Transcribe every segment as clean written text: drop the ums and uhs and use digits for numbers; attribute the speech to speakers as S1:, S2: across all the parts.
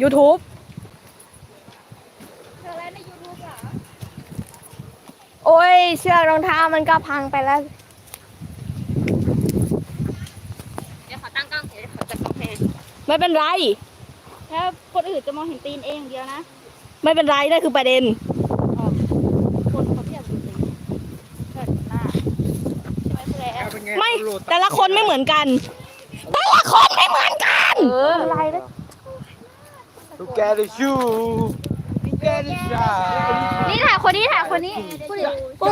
S1: YouTube
S2: เธอแล้วใน YouTube เหรอ
S1: โอ้ยเชือกรองเท้ามันก็พังไปแล้ว
S2: เดี๋ยวขอตั้งกล้องเดี๋ยวขอจับกล้องแทน
S1: ไม่เป็นไร
S2: ถ้าคนอื่นจะมองเห็นตีนเองอย่างเดียวนะ
S1: ไม่เป็นไรนั่นคือประเด็น
S2: คนเขาไม่อยากดูตีนเกิดหน้าใช่ไหมพี่แล้ว
S1: ไม่แต่ละคนไม่เหมือนกันแต่ละคนไม่เหมือนกัน
S2: อะไรนะ
S3: Look at the shoe. Look at the shine.
S2: นี่ถ่ายคนนี้ถ่ายคนนี้พูดดิ
S1: โอ้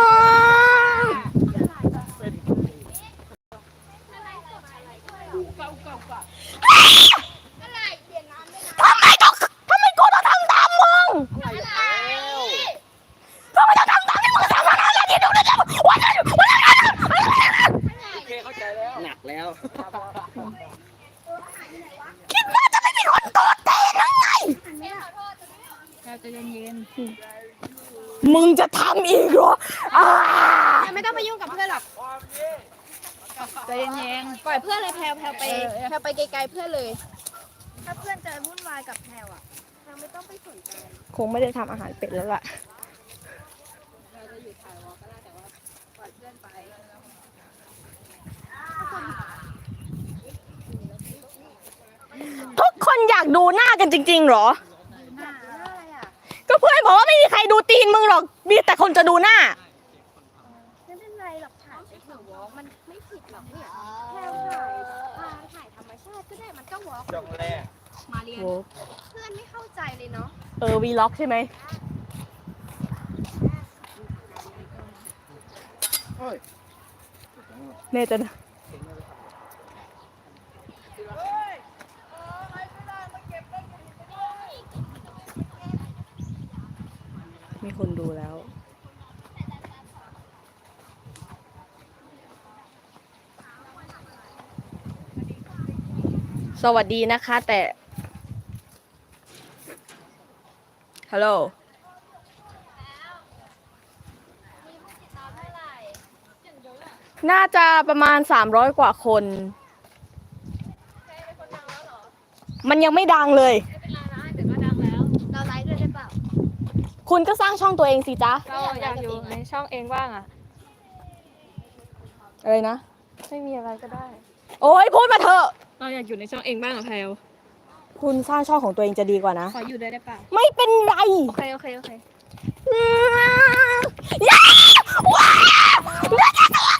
S1: ทำไมกูต้องทำตามมึงทำไมต้องทำตามที่มึงทำอะไรที่ดูนะจ๊ะวันนั้น
S3: โอเคเข้าใจแล้ว หนักแล้ว
S1: คิดว่าจะไม่มีคนโกรธเต้นยังไง
S2: เราจะเย็น
S1: มึงจะทำอีกเหรอ
S2: ๆไม่ต้องไปยุ่งกับเพื่อนหรอกใจเย็นๆปล่อยเพื่อนเลยแพลวไปไกลๆเพื่อนเลย ถ้าเพื่อนจะวุ่นวายกับแพลวอ่ะแพลวไม่ต้องไปสนใจ
S1: คงไม่ได้ทำอาหารเป็ดแล้วล่ะ
S2: เราจะอยู่ถ่ายวอลก็ได้แต่ว่าปล่อยเพื่อนไป
S1: ทุกคนอยากดูหน้ากันจริงๆเหรอ
S2: หน้าอะไรอ่ะ
S1: ก็เพื่อนบอกว่าไม่มีใครดูตีนมึงหรอก มีแต่คนจะดูหน้า
S2: ไม่เป็นไรหรอกถ่ายไปเถอะวอลมันไม่ผิดหรอกเนี่ยแพลวถ่ายธรรมชาติก็ได้มันก็วอล
S3: จบแรก
S2: มาเรียนเพื่อนไม่เข้าใจเลยเนาะ
S1: วีล็อกใช่ไหม
S3: เฮ้ย
S1: เน่จะนะมีคนดูแล้ว สวัสดีนะคะแต่ ฮัลโหล น่าจะประมาณ300กว่าคน มันยังไม่ดังเลย
S2: เราไลฟ์ด้วยได้เปล่า
S1: คุณก็สร้างช่องตัวเองสิจ๊ะ
S4: เราอยากอยู่ในช่องเองบ้างอะ
S1: อะไรนะ
S4: ไม่มีอะไรก็ได้
S1: โอ้ยพูดมาเถอะ
S4: เราอยากอยู่ในช่องเองบ้างอะแพลว
S1: คุณสร้างช่องของตัวเองจะดีกว่านะ
S2: ขออยู่ด้วยได้เปล่า
S1: ไม่เป็นไร
S2: โอเคโอเคโอเค
S1: อย่าว้าวอย่าจะทำ